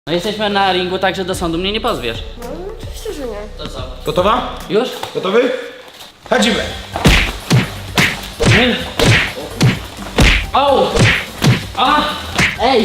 No jesteśmy na ringu, także do sądu mnie nie pozwiesz. No oczywiście, że nie. To co? Gotowa? Już? Gotowy? Chodzimy! O! A! Ej!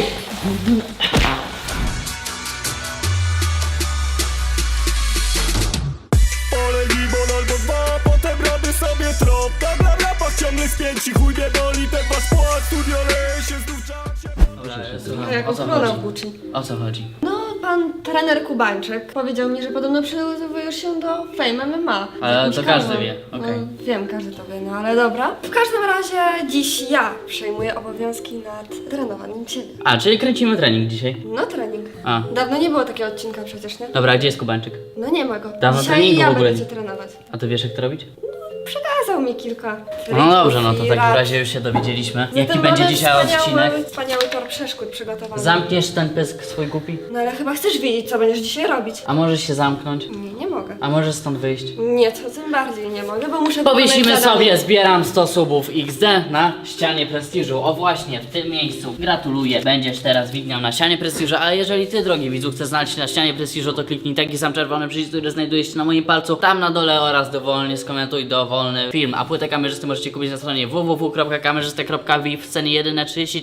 Olej limon albo dwa, potem robię sobie trop. Bla bla bla, ciągle spięci, chuj mnie boli, ten wasz płat. Studio leje się znów w czasie. Dobra, Jak o co ochrona chodzi? włóczy. O co chodzi? No, pan trener Kubańczyk powiedział mi, że podobno przygotowujesz się do Fame MMA. z Ale jakimś to każdy kanałem. wie, okej. No, wiem, każdy to wie, no ale dobra. W każdym razie dziś ja przejmuję obowiązki nad trenowaniem ciebie. A, czyli kręcimy trening dzisiaj. No trening. A. Dawno nie było takiego odcinka przecież, nie? Dobra, a gdzie jest Kubańczyk? No nie ma go. Dawno Dzisiaj treningu ja w ogóle będę nie- cię trenować. A ty wiesz jak to robić? Przekazał mi kilka No dobrze, no to w i takim rad. razie już się dowiedzieliśmy. Zatem Jaki będzie mamy dzisiaj odcinek? Wspaniały tor przeszkód przygotowany. Zamkniesz ten pysk swój głupi? No ale chyba chcesz wiedzieć, co będziesz dzisiaj robić. A możesz się zamknąć? Nie mogę. A możesz stąd wyjść? Nie, to tym bardziej nie mogę, bo muszę Powiesimy wykonać sobie, zadanie. zbieram 100 subów XD na ścianie prestiżu. O właśnie, w tym miejscu. Gratuluję. Będziesz teraz widniał na ścianie prestiżu, a jeżeli ty, drogi widzu, chcesz znaleźć się na ścianie prestiżu, to kliknij taki sam czerwony przycisk, który znajduje się na moim palcu, tam na dole oraz dowolnie skomentuj dowolny film. A płytę kamerzysty możecie kupić na stronie www.kamerzysta.vip w cenie jedyne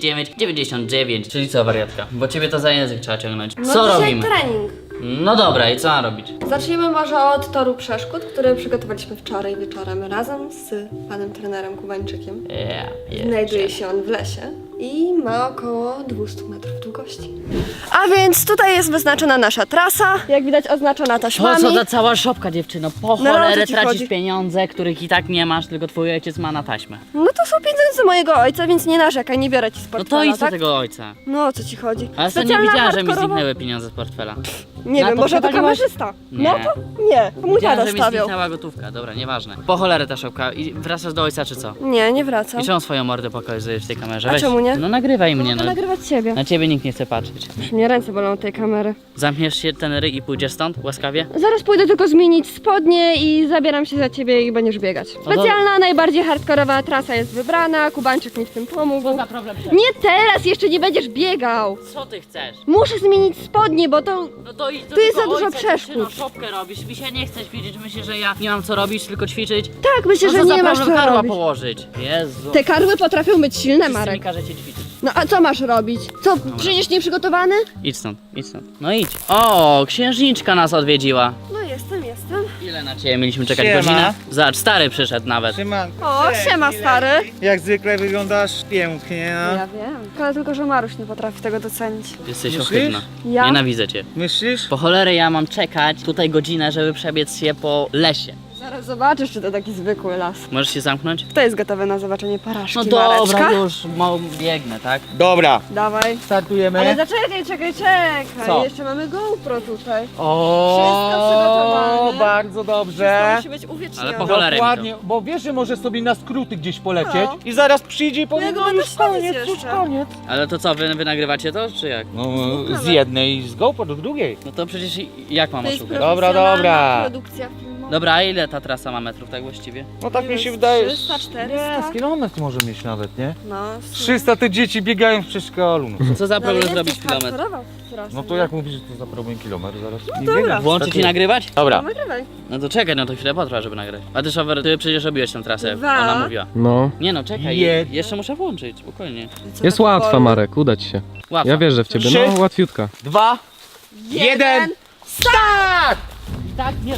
39,99. Czyli co, wariatka? Bo ciebie to za język trzeba ciągnąć. No Co dzisiaj robimy? trening. No dobra, i co mam robić? Zaczniemy może od toru przeszkód, który przygotowaliśmy wczoraj wieczorem razem z panem trenerem Kubańczykiem. Znajduje się on w lesie i ma około 200 metrów długości. A więc tutaj jest wyznaczona nasza trasa, jak widać oznaczona Po taśmami. co ta cała szopka, dziewczyno? Po No, ale o co cholerę ci tracisz chodzi? pieniądze, których i tak nie masz, tylko twój ojciec ma na taśmę. No to są pieniądze mojego ojca, więc nie narzekaj, nie biorę ci z No portfela, to idź do tak? tego ojca. No o co ci chodzi? Ale ostatnio Specjalna widziałem, że mi hardkorowa- zniknęły pieniądze z portfela. Nie Na wiem, to może to przepaliłaś? kamerzysta. Nie. No to nie, to mój Widziałem, tata że mi stawiał. zniknęła gotówka. Dobra, nieważne. Po cholerę ta szopka. I wracasz do ojca, czy co? Nie, nie wracam. I czemu swoją mordę pokazujesz w tej kamerze? A Weź. czemu nie? No nagrywaj mnie, Mogę no. nagrywać ciebie. Na ciebie nikt nie chce patrzeć. Już mnie ręce bolą od tej kamery. Zamkniesz się ten ryj i pójdziesz stąd, łaskawie? Zaraz pójdę tylko zmienić spodnie i zabieram się za ciebie i będziesz biegać. Specjalna, najbardziej hardkorowa trasa jest wybrana, Kubańczyk mi w tym pomógł. Za problem. Nie teraz, jeszcze nie będziesz biegał. Co ty chcesz? Muszę zmienić spodnie, bo to... No to idź do Tu jest tego za dużo ojca, przeszkód. dziewczyno, szopkę robisz. Mi się nie chcesz widzieć, myślisz, że ja nie mam co robić, tylko ćwiczyć. Tak, myślę, No że to za nie masz problem co karła robić. położyć. Jezu. Te karły potrafią być silne, Wszyscy mi Marek. każecie ćwiczyć. No a co masz robić? Co, przyjdziesz nieprzygotowany? Idź stąd, idź stąd. No idź. O, księżniczka nas odwiedziła. No jestem. Ile na ciebie mieliśmy czekać? Siema. Godzinę? Zobacz, stary przyszedł nawet. Szymanko. O, siema stary. Jak zwykle wyglądasz pięknie, no. Ja wiem. Ale tylko, że Maruś nie potrafi tego docenić. Jesteś Myślisz? ohydna. Ja? Nienawidzę cię. Myślisz? Po cholerę ja mam czekać tutaj godzinę, żeby przebiec się po lesie. Zaraz zobaczysz, czy to taki zwykły las. Możesz się zamknąć? Kto jest gotowy na zobaczenie porażki, No dobra, Mareczka? już biegnę, tak? Dobra. Dawaj. Startujemy. Ale czekaj. Co? Jeszcze mamy GoPro tutaj. O, Wszystko przygotowane. bardzo dobrze. Musi być uwiecznione. Ale po cholerę mi to. Dokładnie, bo wiesz, że możesz sobie na skróty gdzieś polecieć No. i zaraz przyjdzie i powie, Ja go no będę już koniec, śledzić już jeszcze. koniec. Ale to co, wy nagrywacie to, czy jak? No z jednej z GoPro do drugiej. No to przecież jak mam To jest oszukać? Dobra, profesjonalna dobra. produkcja filmowa. Dobra, a ile ta trasa ma metrów tak właściwie? No tak Nie mi wiem, się wydaje. 300, 400? Nie, z kilometr może mieć nawet, nie? No, 300 te dzieci biegają w przedszkolu. No. Co za ale problem jest zrobić też kilometr? hardkorowa trasa, No to nie? jak mówisz, że to za problem kilometr zaraz? Nie dobra. biegam. Włączyć i nagrywać? Dobra. No, nagrywaj. No to czekaj, no to chwilę potrwa, żeby nagrać. A ty szofer, ty przecież robiłeś tę trasę, Dwa. ona mówiła. No, Nie no, czekaj, Jeden. jeszcze muszę włączyć, spokojnie. Co jest tak łatwa, wolno? Marek, uda ci się. Łatwo. Ja wierzę w ciebie, Trzy. no łatwiutka. 2, 1, start! Tak, nie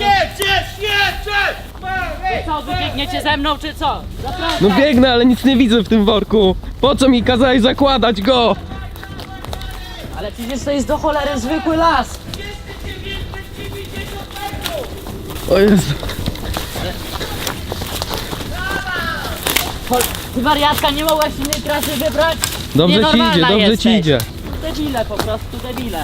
Jedź! Co, wy biegniecie ze mną, czy co? Zapraszam. No biegnę, ale nic nie widzę w tym worku. Po co mi kazałeś zakładać go? Ale przecież to jest do cholery zwykły las. O Jezu. Ty wariatka, nie mogłaś innej trasy wybrać? Dobrze ci Nienormalna idzie, dobrze jesteś. ci idzie. Debile, po prostu debile.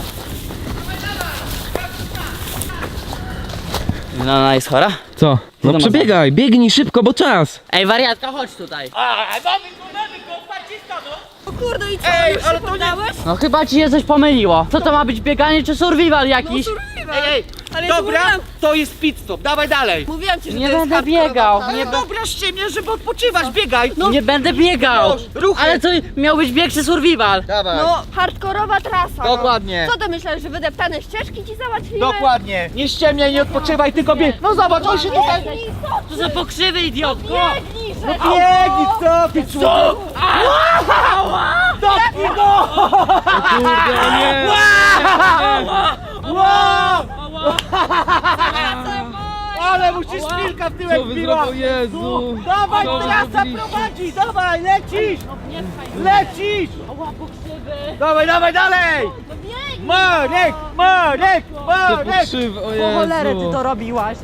No, ona jest chora? Co? to No ma przebiegaj, biegnij szybko, bo czas. Ej, wariatka, chodź tutaj. O kurde, i co? Ej, już ale się to nie- poddałeś? No chyba ci się coś pomyliło. Co to ma być, bieganie czy survival jakiś? Survival. Ej, Ale ja ci Dobra, mówiłam, to jest pit stop, dawaj dalej. mówiłam ci, że Nie to jest będę hardkorowa biegał, trasa. nie Dobra, ściemniasz, żeby odpoczywać, biegaj. Nie będę biegał! Ruchy. Ale to miał być bieg czy survival? Dawaj. No, hardkorowa trasa. Dokładnie. No. Co to myślałeś, że wydeptane ścieżki ci załatwimy? Dokładnie. Nie ściemniaj, nie odpoczywaj, tylko bieg. No zobacz, on się tutaj... To są pokrzywy, idiotko! Biegnij, że... Biegnij, co ty człowiek? Dotknij go! Kurde, o nie! Wow! Ale musisz chwilkę w Co tyłek wy biła. zrobił? Jezu! Dawaj, Co wy trasa zrobiliście? prowadzi, dawaj, lecisz! Lecisz! Dawaj, dawaj, dalej! Marek, Marek, Te Marek! pokrzywy, o Jezu! robiłaś.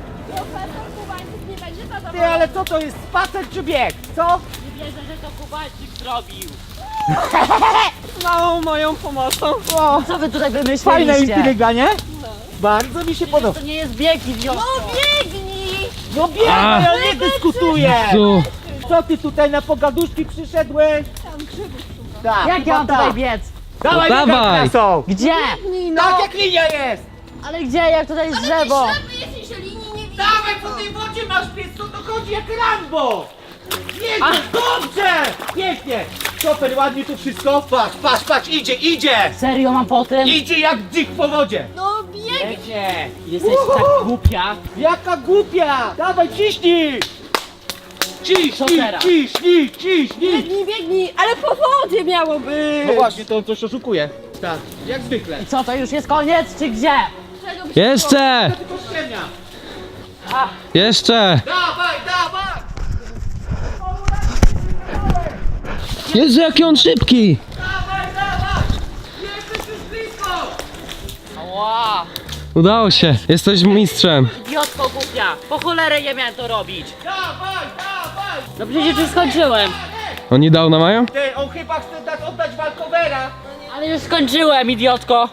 Ty, ale co to jest, spacer czy bieg? Co? Nie wierzę, że to Kubańczyk zrobił! Z małą moją pomocą. O, Co wy tutaj fajna wymyśliliście? intryga, nie? Bardzo mi się podoba. To nie jest bieg, idiotko! Biegnij! No biegaj, ja nie dyskutuję! Jezu! Co ty tutaj na pogaduszki przyszedłeś? Tak, Jak ja mam chyba tutaj tak. biec? Dawaj, No biegaj dawaj. trasą! Gdzie? No. Tak jak linia jest! Ale gdzie? Jak tutaj jest drzewo? jesteś, że linii nie widzisz. Dawaj, po tej wodzie masz pies, to chodzi jak Rambo! Jedziesz, dobrze! Pięknie! Super, ładnie tu wszystko. Patrz, patrz, patrz, idzie, idzie! Serio mam po tym? Idzie jak dzik po wodzie! No bieg! Pięknie! Jesteś tak głupia. Jaka głupia! Dawaj, ciśnij! Co Ciśnij, teraz? ciśnij, ciśnij! Biegnij, biegnij! Ale po wodzie miało być! No właśnie, to on coś oszukuje. Tak, jak zwykle. I co, to już jest koniec, czy gdzie? Jeszcze! Tylko ściemnia. Jeszcze! Dawaj, dawaj! Jezu, jaki on szybki! Dawaj, dawaj! Jesteś już blisko! Ała! Udało się, jesteś mistrzem. Idiotko głupia! Po cholerę nie miałem to robić! Dawaj, dawaj! No przecież już skończyłem! Oni dał na mają? Ty, on chyba chce oddać walkowera. Ale już skończyłem, idiotko!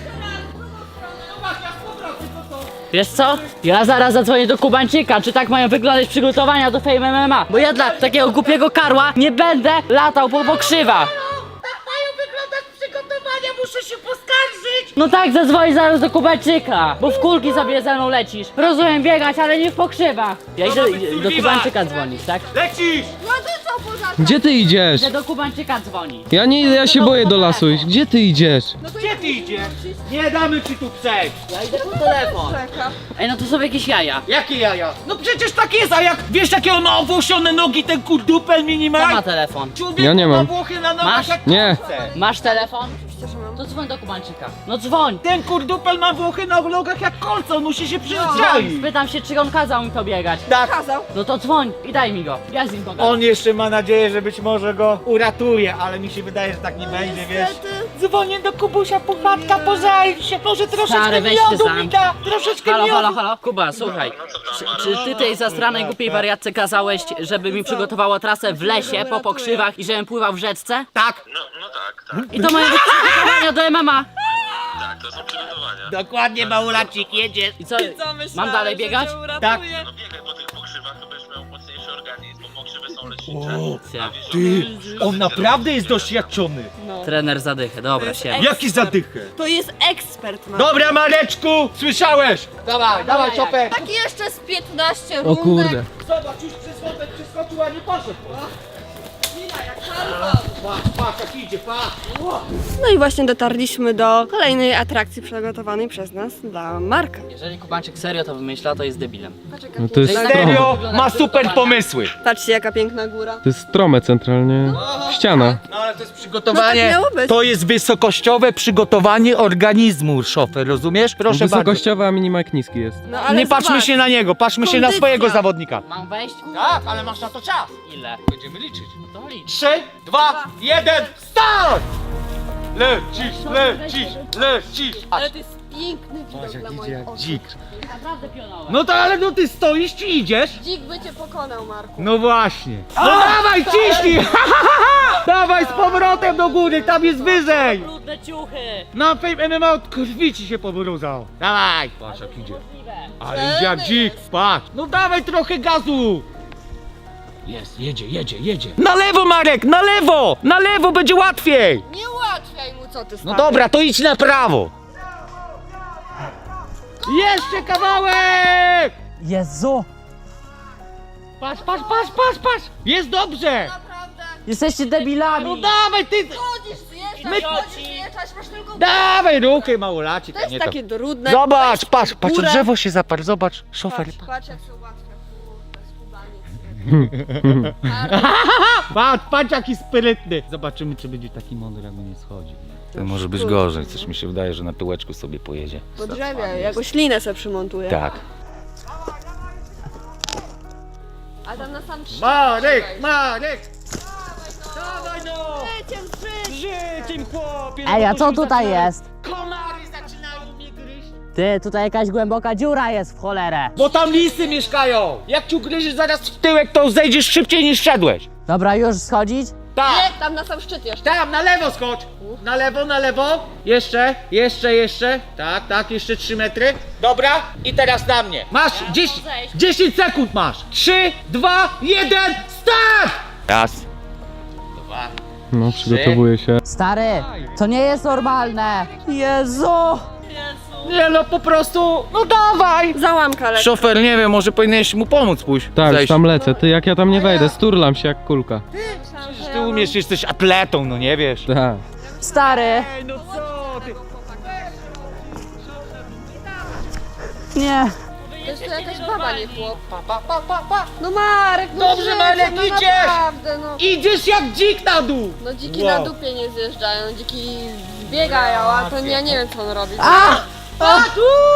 Zobacz, ja z powrotem, co to? Wiesz co? Ja zaraz zadzwonię do Kubańczyka, czy tak mają wyglądać przygotowania do Fame MMA. Bo ja dla takiego głupiego karła nie będę latał po pokrzywach. Tak mają wyglądać przygotowania, muszę się poskarżyć! No tak, zadzwoń zaraz do Kubańczyka, bo w kulki sobie ze mną lecisz. Rozumiem biegać, ale nie w pokrzywach. Ja idę do Kubańczyka dzwonić, tak? Lecisz! No to co poza tym? Gdzie ty idziesz? Idę do Kubańczyka dzwonić. Ja nie idę, ja się boję do lasu iść. Gdzie ty idziesz? Gdzie ty idziesz? Nie damy ci tu przejść! Ja idę po telefon. Ej, no to są jakieś jaja. Jakie jaja? No przecież tak jest, a jak wiesz jakie on ma owłosione nogi, ten kurdupel Kto minimal? ma telefon? Człowieku Ja nie mam. Włochy na nogach Masz? jak Nie. kurce. Masz telefon? Oczywiście, że mam. To dzwoń do Kubańczyka. No dzwoń. Ten kurdupel ma Włochy na nogach jak kolce, on musi się przyzwyczaić. Spytam się, czy on kazał mi to biegać. Tak. Kazał. No to dzwoń i daj mi go. Ja z nim pogadam. On jeszcze ma nadzieję, że być może go uratuje, ale mi się wydaje, że tak nie będzie, wiesz. Niestety. Dzwonię do Kubusia, puchatka, pożal się, może troszeczkę Stary, weź miodu ty mi sam. da, troszeczkę Halo, miodu. halo, halo. Kuba, słuchaj. Czy ty tej zastranej głupiej wariatce kazałeś, żeby mi przygotowała trasę w lesie po pokrzywach i żebym pływał w rzeczce? Tak, No tak, tak, I to mają być przygotowania do MMA. tak, to są przygotowania. dokładnie, małolacik, jedziesz. I co, mam dalej biegać? Tak. No biegaj po tych pokrzywach, to będziesz miał mocniejszy organizm, bo pokrzywy są lecznicze. Ja. Ty, on naprawdę jest doświadczony. Trener zadychę, dobra, siema. Jaki zadychę? To jest ekspert, ma. Dobra, Mareczku, słyszałeś? Dawaj, dawaj, Czopek. Tak jeszcze z 15 O rundek. kurde. Zobacz, już przez wątek przeskoczył, a nie poszedł. Patrz, patrz, jak idzie, patrz. No i właśnie dotarliśmy do kolejnej atrakcji przygotowanej przez nas dla Marka. Jeżeli Kubańczyk serio to wymyśla, to jest debilem. No to jest strom. Serio, ma super pomysły. Patrzcie, jaka piękna góra. To jest strome centralnie. Ściana. No ale to jest No przygotowanie. tak miało być. To jest wysokościowe przygotowanie organizmu, szofer, rozumiesz? Proszę bardzo. Wysokościowa, a minimak niski jest. No ale Nie patrzmy zobacz. się na niego, patrzmy się na Kondycja. swojego zawodnika. Mam wejść? Tak, ale masz na to czas. Ile? Będziemy liczyć. To licz. 3, 2, 1, start! Lecisz, lecisz, lecisz. Ale to jest piękny widok dla moich oczu. Dzik. Naprawdę pionowe. No to ale no ty stoisz czy idziesz? Dzik by cię pokonał, Marku. No właśnie. No dawaj, ciśnij! Dawaj z powrotem do góry, tam jest wyżej! Brudne ciuchy. Na Fame MMA od krwi ci się pobrudzał. Dawaj! Patrz jak idzie. Ale idzie jak dzik, patrz. No dawaj trochę gazu! Jest, jedzie, jedzie, jedzie. Na lewo, Marek, na lewo! Na lewo będzie łatwiej! Nie ułatwiaj mu, co ty No stary. dobra, to idź na prawo. Jeszcze kawałek! Jezu! Patrz! Jest dobrze! Jesteście debilami! No dawaj ty! Chodzisz, zjeżdżać, masz tylko... Dawaj ruchy, małolacik. To jest takie trudne. Zobacz, patrz, górę. drzewo się zaparł, zobacz, szofer. Patrz jak się ułatwia. Kurde, skubaniec. Patrz jaki sprytny. Zobaczymy, czy będzie taki mądry, jak nie schodzi. To może być gorzej, coś mi się wydaje, że na tyłeczku sobie pojedzie. Po drzewie, jakąś linę sobie przymontuję. Tak. A tam na sam szczyt. Marek! Dawaj no! Życiem chłopie! Ej, a co tutaj jest? Komary zaczynają mnie gryźć. Ty, tutaj jakaś głęboka dziura jest w cholerę. Bo tam lisy mieszkają! Jak cię ugryziesz zaraz w tyłek, to zejdziesz szybciej niż szedłeś. Dobra, już schodzić? Tak! Nie, tam na sam szczyt jeszcze. Tam, na lewo skocz! Na lewo. Jeszcze. Tak, jeszcze 3 metry. Dobra, i teraz na mnie. Masz 10 sekund masz. 3, 2, 1, start! Raz. No, przygotowuję się. Stary, to nie jest normalne. Jezu! Nie no, po prostu, no dawaj! Załamka lekka. Szofer, nie wiem, może powinieneś mu pomóc pójść. Tak, Zejść. tam lecę. Ty, jak ja tam nie wejdę, sturlam się jak kulka. Przecież ty umiesz, jesteś atletą, no nie wiesz. Tak. Stary! Ej, no co ty? Nie. To jest to jakaś baba, nie chłop. No Marek, no Dobrze, życie, Marek, no idziesz! naprawdę, no. Idziesz jak dzik na dół! No dziki Wow. na dupie nie zjeżdżają, dziki biegają, a to ja nie wiem co on robi. Patrz!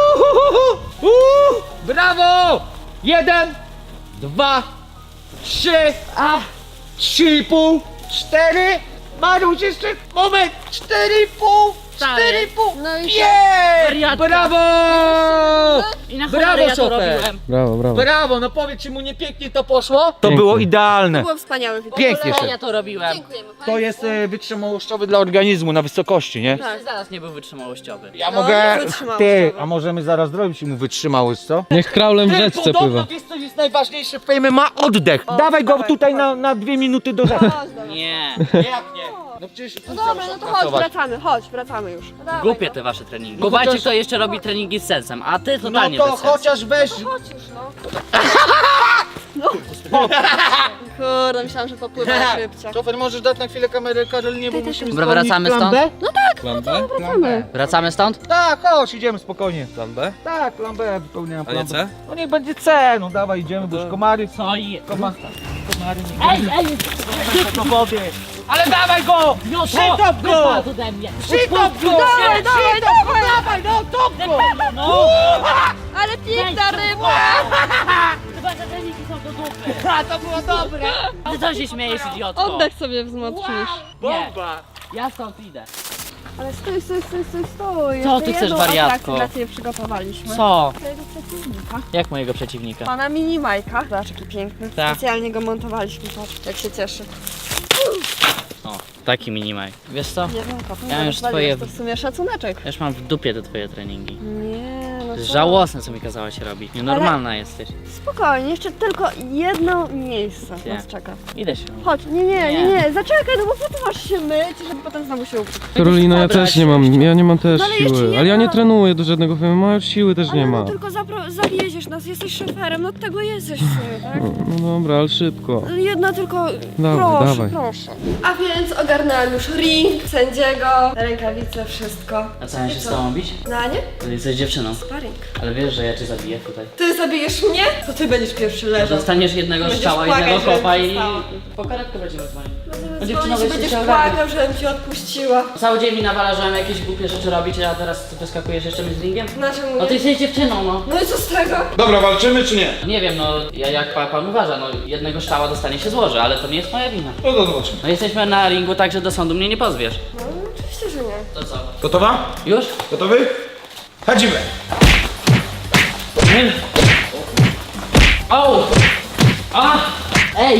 Brawo! 1, 2, 3, 3,5, 4. Maruś, jeszcze moment! 4,5, 4,5. No i Jej! Wariatka. Brawo! I na Brawo, cholerę ja to szofer. robiłem. Brawo. Brawo, no powiedz, czy mu nie pięknie to poszło? To Pięknie. było idealne. było wspaniałe wideo. Pięknie Ja się. to robiłem. Dziękujemy. To jest wytrzymałościowy dla organizmu na wysokości, nie? Tak. Zaraz nie był wytrzymałościowy. Ja No, mogę. nie wytrzymał Ty, tego. a możemy zaraz zrobić mu wytrzymałość, co? Niech kraulem w Ty, rzeczce podobno pływa. wiesz co jest najważniejsze w fejmie? Ma oddech. Dawaj go dawaj, tutaj chodź. na 2 minuty do rzeki. Chodź, dobra. Nie. Jak nie? No przecież No dobra, no to chodź, wracamy już. No dawaj, Głupie no. te wasze treningi. No Kubańczyk chociaż- to jeszcze robi treningi z sensem, a ty No totalnie to bez sensu. chociaż weź. Chodź już, no. Kurde, myślałam, że popływa szybciej. Szofer, możesz dać na chwilę kamerę Karolinie, bo musimy Dobra, spełnić wracamy plan stąd? B? Wracamy. Wracamy stąd? Tak, chodź, idziemy spokojnie. Plan B? Tak, plan B, wypełniam A plan nie B. C? No niech będzie C, no dawaj, idziemy, bo już komary. Co i... Komary Ej, do wody. Ale dawaj go! Przytop go! Wypadł ode mnie! Przytop go! Dawaj, Dawaj, no top go! No! Ale piękna ryba! Chyba te treningi są do dupy! A, to było dobre! Ty co się śmiejesz, idiotko? Oddech sobie wzmocnisz. Bomba! Ja stąd idę. Ale stój. Co Jeszcze ty chcesz, jedną wariatko? atrakcję dla ciebie przygotowaliśmy. Co? Twojego przeciwnika. Jak mojego przeciwnika? Pana Mini Majka. Zobacz jaki piękny. Tak. Specjalnie go montowaliśmy, patrz jak się cieszy. O, taki minimaj. Wiesz co? Jedną kopą. Ja już rozwaliłeś, twoje- To w sumie szacuneczek. Ja już mam w dupie te twoje treningi. Nie, no To jest co? żałosne, co mi kazałaś robić. Nienormalna jesteś. Spokojnie, jeszcze tylko jedno miejsce Nie. nas czeka. Idę się. Chodź, nie, zaczekaj, no bo po co masz się myć, żeby potem znowu się ukryć. Karolina, ja też nie mam, ja nie mam też No ale jeszcze siły. nie Ale ja ma. nie trenuję do żadnego filmu, a już siły też nie Ale ma. no tylko zawieziesz nas, jesteś szoferem, no od tego jesteś w sumie, tak? No dobra, ale szybko. Jedna tylko, Dawaj, dawaj. proszę. A więc ogarnęłam już ring, sędziego, rękawice, wszystko. A co, ja się z tobą bić? No a nie? To jesteś dziewczyną. Sparring. Ale wiesz, że ja cię zabiję tutaj. Ty zabijesz mnie? To ty będziesz pierwszy leżał. Dostaniesz jednego Będziesz strzała, płakać, jednego żebym kopa i przestała. po karetkę będziemy dzwonić. Będziemy dziewczyno, dzwonić, weź będziesz się płakał, żebym cię odpuściła. Cały dzień mi nawala, że mam jakieś głupie rzeczy robić, a teraz ty wyskakujesz jeszcze mi z ringiem? Znaczy No ty mówię. jesteś dziewczyną, no. No i co z tego? Dobra, walczymy czy nie? Nie wiem, no jak pan uważa, no jednego strzała dostanie się złoży, ale to nie jest moja wina. No to zobaczymy. No jesteśmy na ringu, także do sądu mnie nie pozwiesz. No oczywiście, że nie. To co? Gotowa? Już? Gotowy? Chodzimy! O! A! Ej!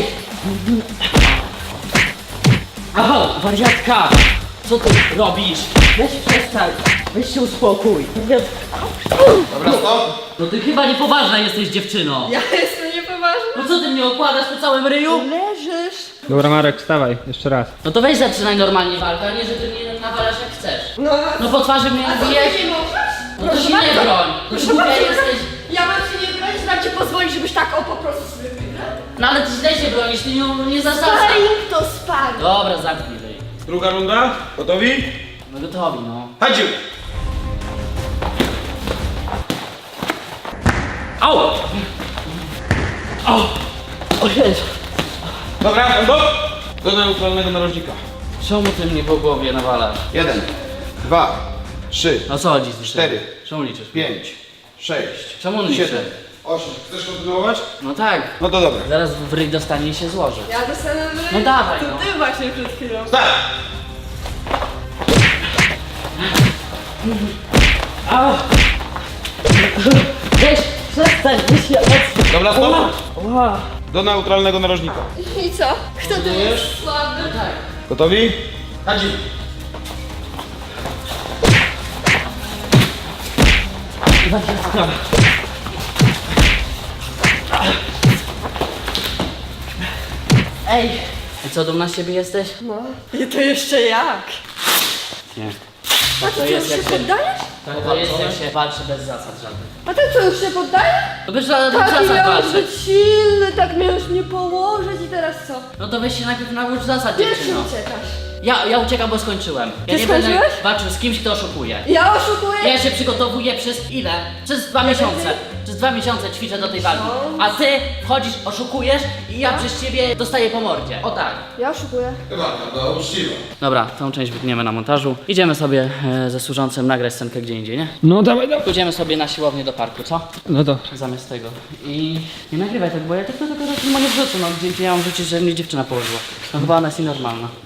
Aho, wariatka! Co ty robisz? Weź przestań, weź się uspokój. Dobra, stop! No ty chyba niepoważna jesteś, dziewczyno. Ja jestem niepoważna. No co ty mnie okładasz po całym ryju? Leżysz. Dobra, Marek, wstawaj, jeszcze raz. No to weź zaczynaj normalnie walkę, a nie, że ty mnie nawalasz jak chcesz. No, No po twarzy mnie a co, bijesz? ty nie możesz? No to się nie broń. Proszę Głupia bardzo, jesteś. ja mam się nie bronić, mam ci pozwolić, żebyś tak po prostu sobie wygrał. No ale ty źle się bronisz, ty nie zasadzasz. Sparring to sparring. Dobra, zamknij ryj. Druga runda. Gotowi? No gotowi, no. Chodź! Au! Au! O Jezu. Dobra, stop! Do neutralnego narożnika. Czemu ty mnie po głowie nawalasz? 1, 2, 3, No co chodzi z tym? 4, Czemu liczysz? 5, 6, Czemu on liczy? 7, 8. Chcesz kontynuować? No tak. No to dobra. Zaraz w ryj dostanie i się złoży. Ja dostanę No dawaj, To no. ty właśnie przed chwilą. Start! Au! Weź, przestań, weź się odsuń. Dobra, stop! Ła! Do neutralnego narożnika. I co? Kto tu jest słaby? Tak. Gotowi? Chodź! Ej! I co, dumna z siebie jesteś? No. I to jeszcze jak? Nie. A ty już się poddajesz? To jest jak się walczy bez zasad żadnych. A ty co, już się poddajesz? To bez żadnych Taki zasad miałeś walczyć. być silny, tak miałeś mnie położyć i teraz co? No to weź się najpierw naucz zasad, Pierwszy dziewczyno. uciekasz. Ja uciekam, bo skończyłem. Ja Ty nie będę skończyłeś? walczył z kimś, kto oszukuje. Ja oszukuję? Ja się przygotowuję przez ile? Przez 2 miesiące. Przez 2 miesiące ćwiczę do tej walki. A ty wchodzisz, oszukujesz i ja przez ciebie dostaję po mordzie. O tak. Ja oszukuję. Chyba, uczciwa. Dobra, tą część wytniemy na montażu. Idziemy sobie ze służącym nagrać scenkę gdzie indziej, nie? No dawaj, dawaj. Pójdziemy sobie na siłownię do parku, co? No to. Zamiast tego. I nie nagrywaj tak, bo ja tak to nie wrzucę, no gdzie ja mam rzucić, że mnie dziewczyna położyła. No chyba ona jest nienormalna.